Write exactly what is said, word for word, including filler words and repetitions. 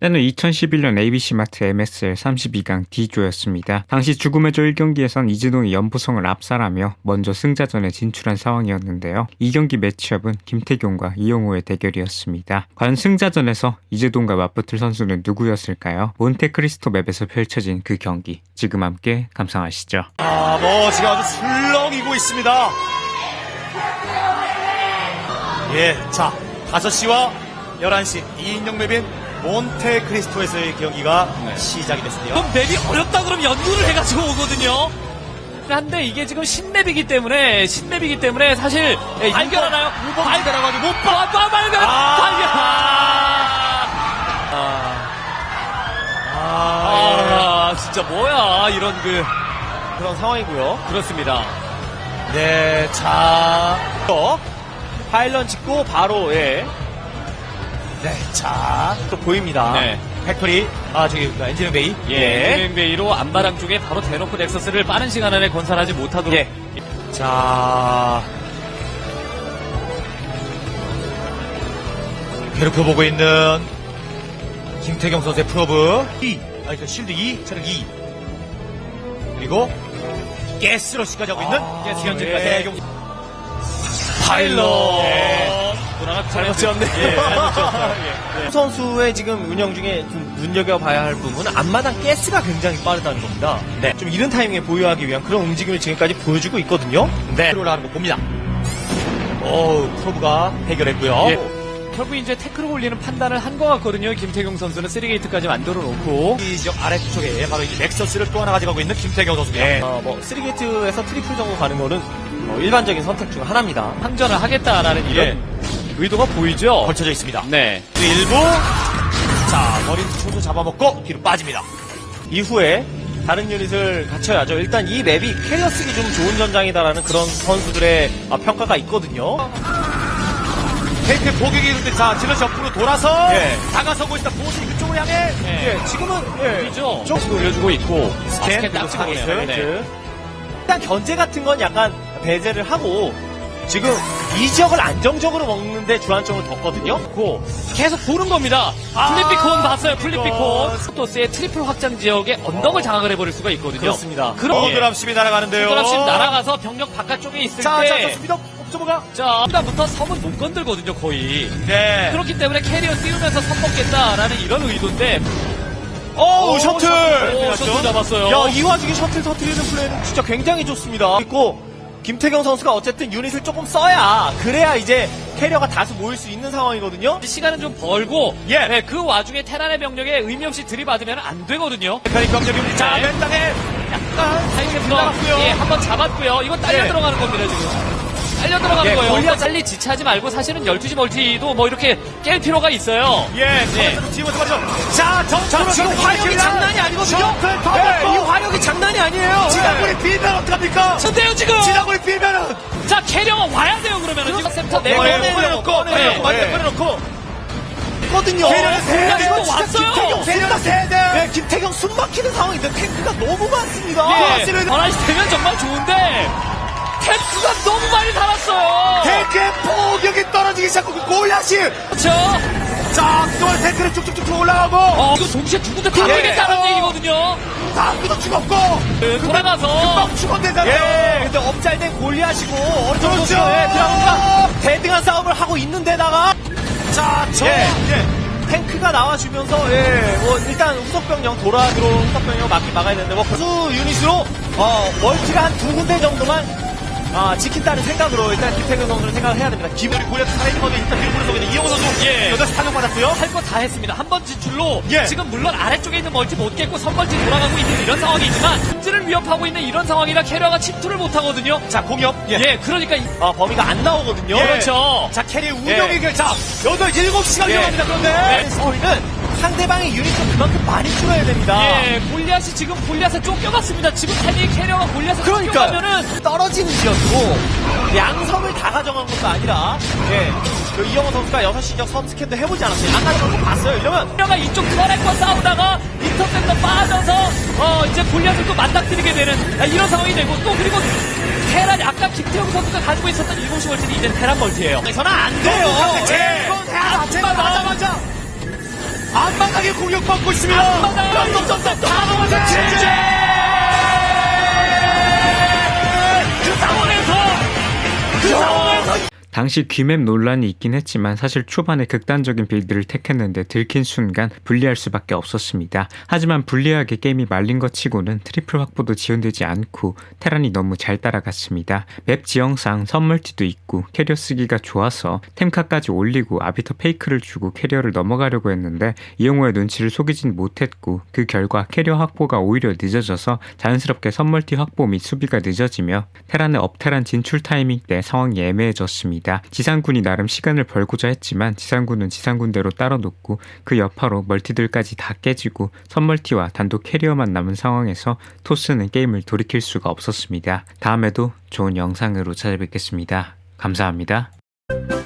때는 이천십일 년 에이비씨마트 엠에스엘 삼십이 강 D조였습니다. 당시 죽음의 조 일 경기에선 이재동이 연보성을 압살하며 먼저 승자전에 진출한 상황이었는데요. 이 경기 매치업은 김태경과 이영호의 대결이었습니다. 과연 승자전에서 이재동과 맞붙을 선수는 누구였을까요? 몬테크리스토 맵에서 펼쳐진 그 경기, 지금 함께 감상하시죠. 아, 머지가 아주 술렁이고 있습니다. 예, 자, 다섯 시와 열한 시 이 인용 맵인 몬테크리스토에서의 경기가 네. 시작이 됐습니다. 그럼 맵이 어렵다 그러면 연구를 해가지고 오거든요. 한데 이게 지금 신맵이기 때문에 신맵이기 때문에 사실 예, 발견하나요? 발견해가지고 못 봐, 봐, 발견, 아~ 발견. 아, 아, 아, 진짜 뭐야 이런 그 그런 상황이고요. 그렇습니다. 네, 자, 또 파일런 찍고 바로 예. 네, 자, 또 보입니다. 네. 팩토리, 아, 저기, 엔지니어 베이. 예, 엔지니어 베이로 안마랑 쪽에 바로 대놓고 넥서스를 빠른 시간 안에 건설하지 못하도록. 예. 자, 괴롭혀보고 있는 김태경 선수의 프로브 이, 아니, 그 실드 이, 체력 이. 그리고 가스러시까지 하고 있는 아, 가스 현재까지. 현재 파일럿. 예. 잘못 지었네. 예, 잘못 지었어요. 예. 선수의 지금 운영 중에 좀 눈여겨봐야 할 부분은 앞마당 가스가 굉장히 빠르다는 겁니다. 네. 좀 이른 타이밍에 보유하기 위한 그런 움직임을 지금까지 보여주고 있거든요. 네. 올라가는 거 봅니다. 오, 프로브가 해결했고요. 예. 결국 이제 태클을 올리는 판단을 한 것 같거든요. 김태경 선수는 쓰리 게이트까지 만들어 놓고. 이 지역 아래쪽에 바로 이 넥서스를 또 하나 가져가고 있는 김태경 선수입니다. 네. 어, 뭐 쓰리 게이트에서 트리플 정도 가는 거는 어, 일반적인 선택 중 하나입니다. 항전을 하겠다라는 이런 예. 의도가 보이죠. 걸쳐져 있습니다. 네. 일부 자 머리 초도 잡아먹고 뒤로 빠집니다. 이후에 다른 유닛을 갖춰야죠. 일단 이 맵이 캐리어 쓰기 좀 좋은 전장이다라는 그런 선수들의 아, 평가가 있거든요. 테이크 포격이 있는데 자 질럿이 옆으로 돌아서 예. 다가서고 있다. 보시 그쪽으로 향해 예. 예, 지금은 예, 보이죠. 좀 올려주고 있고. 스캔, 스캔 딱 찍고 그리고 있어요. 스캔. 네. 일단 견제 같은 건 약간 배제를 하고 지금 이 지역을 안정적으로 먹는데 주안점을 뒀거든요. 고 계속 보는 겁니다. 아, 플립비콘 봤어요. 이거. 플립비콘. 스토스의 트리플 확장 지역에 언덕을 장악을 해버릴 수가 있거든요. 그렇습니다. 그럼 어드랍십이 날아가는데요. 드랍십 날아가서 병력 바깥쪽에 있을 자, 자, 때 좋습니다. 옵저버가 자, 일단부터 섬은 못 건들거든요, 거의. 네. 그렇기 때문에 캐리어 띄우면서 섬 먹겠다라는 이런 의도인데. 오, 셔틀. 오, 셔틀 잡았어요. 야, 이 와중에 셔틀 터트리는 플레이는 진짜 굉장히 좋습니다. 그리고 김태경 선수가 어쨌든 유닛을 조금 써야 그래야 이제 캐리어가 다수 모일 수 있는 상황이거든요. 시간은 좀 벌고, 예. 네, 그 와중에 테란의 병력에 의미 없이 들이받으면 안 되거든요. 메카닉 경제입니다. 자, 네. 맨 땅에 약간 타이밍 나갔고요. 예, 한번 잡았고요. 이거 딸려 예. 들어가는 겁니다, 지금. 딸려 들어가는 예, 거예요. 골리앗- 골리앗 빨리 지체하지 말고 사실은 열두 시 멀티도 뭐 이렇게 깰 필요가 있어요. 예, 예. 지금 말이죠. 자, 정, 자, 지금 화력이 장난이 아니거든요. 셔틀 더 네, 먹고. 이 화력이 장난이 아니에요. 지나골이 빌면 어떡합니까? 근데요, 지금! 지나골이 빌면은 자, 캐리어가 와야 돼요, 그러면은. 지금 센터 네, 내보내고. 네, 꺼내놓고, 네. 꺼내놓고, 완전 네. 꺼내놓고. 거든요. 캐리어는 세 야, 대. 이거 진짜 왔어요. 김태경 세대 세대. 네, 김태경 숨 막히는 상황인데 탱크가 너무 많습니다. 예, 맞습니다. 하나씩 되면 정말 좋은데, 탱크가 너무 많이 달았어요. 탱크의 포격이 떨어지기 시작하고 골리앗이 그렇죠? 자, 그동안 탱크를 쭉쭉쭉 올라가고 어, 이거 동시에 두 군데 다 예. 되겠다는 얘기거든요. 다음부터 죽었고 네, 돌아가서. 금방 죽었대잖아요. 예, 근데 업잘된 골리앗이고 어느 정도 그렇죠. 예, 드라군과 대등한 싸움을 하고 있는데다가 자, 저 예. 예. 탱크가 나와주면서 예, 뭐 일단 후속병력 돌아 들어온 후속병력 막기 막아야 되는데 뭐 수 유닛으로 어, 멀티가 한 두 군데 정도만 아, 지킨다는 생각으로 일단 김태경 선수는 생각을 해야 됩니다. 기분이 골리앗 살아있는 건데 일단 뒤로 보내서 이영호 선수 예. 여덟 시 탄력 받았고요. 할 거 다 했습니다. 한 번 진출로 예. 지금 물론 아래쪽에 있는 멀티 못 깼고 선멀티 돌아가고 있는 이런 상황이지만 문제를 위협하고 있는 이런 상황이라 캐리어가 침투를 못 하거든요. 자, 공격. 예, 그러니까 이- 아, 범위가 안 나오거든요. 예. 그렇죠. 자, 캐리 운영이 예. 자, 여덟, 일곱 시간 예. 위험합니다. 그런데 네. 스토리는 상대방의 유닛을 그만큼 많이 줄여야 됩니다. 예, 골리앗이 지금 골리앗에 쫓겨갔습니다. 지금 타이밍 캐리어가 골리앗에 그러니까 쫓겨가면은 떨어지는 지역이고 양섬을 다 가져간 것도 아니라 예, 그 이영호 선수가 여섯 시 지역 섬 스캔도 해보지 않았어요. 안 가져간 거 봤어요. 이러면 캐리어가 이쪽 터렛과 싸우다가 인터셉터 빠져서 어 이제 골리앗을 또 맞닥뜨리게 되는 아, 이런 상황이 되고 또 그리고 테란 아까 김태형 선수가 가지고 있었던 일곱 시 멀티는 이제 테란 멀티예요. 저는 안 돼요. 제 예. 건 해야 제가 맞아 맞아. 앞마당에 공격받고 있습니다. 앞마당 점점점 다 넘어서 진짜 그 상황에서 그 상황에서 당시 귀맵 논란이 있긴 했지만 사실 초반에 극단적인 빌드를 택했는데 들킨 순간 불리할 수밖에 없었습니다. 하지만 불리하게 게임이 말린 것 치고는 트리플 확보도 지연되지 않고 테란이 너무 잘 따라갔습니다. 맵 지형상 선멀티도 있고 캐리어 쓰기가 좋아서 템카까지 올리고 아비터 페이크를 주고 캐리어를 넘어가려고 했는데 이영호의 눈치를 속이진 못했고 그 결과 캐리어 확보가 오히려 늦어져서 자연스럽게 선멀티 확보 및 수비가 늦어지며 테란의 업테란 진출 타이밍 때 상황이 애매해졌습니다. 지상군이 나름 시간을 벌고자 했지만 지상군은 지상군대로 따로 놓고 그 여파로 멀티들까지 다 깨지고 선멀티와 단독 캐리어만 남은 상황에서 토스는 게임을 돌이킬 수가 없었습니다. 다음에도 좋은 영상으로 찾아뵙겠습니다. 감사합니다.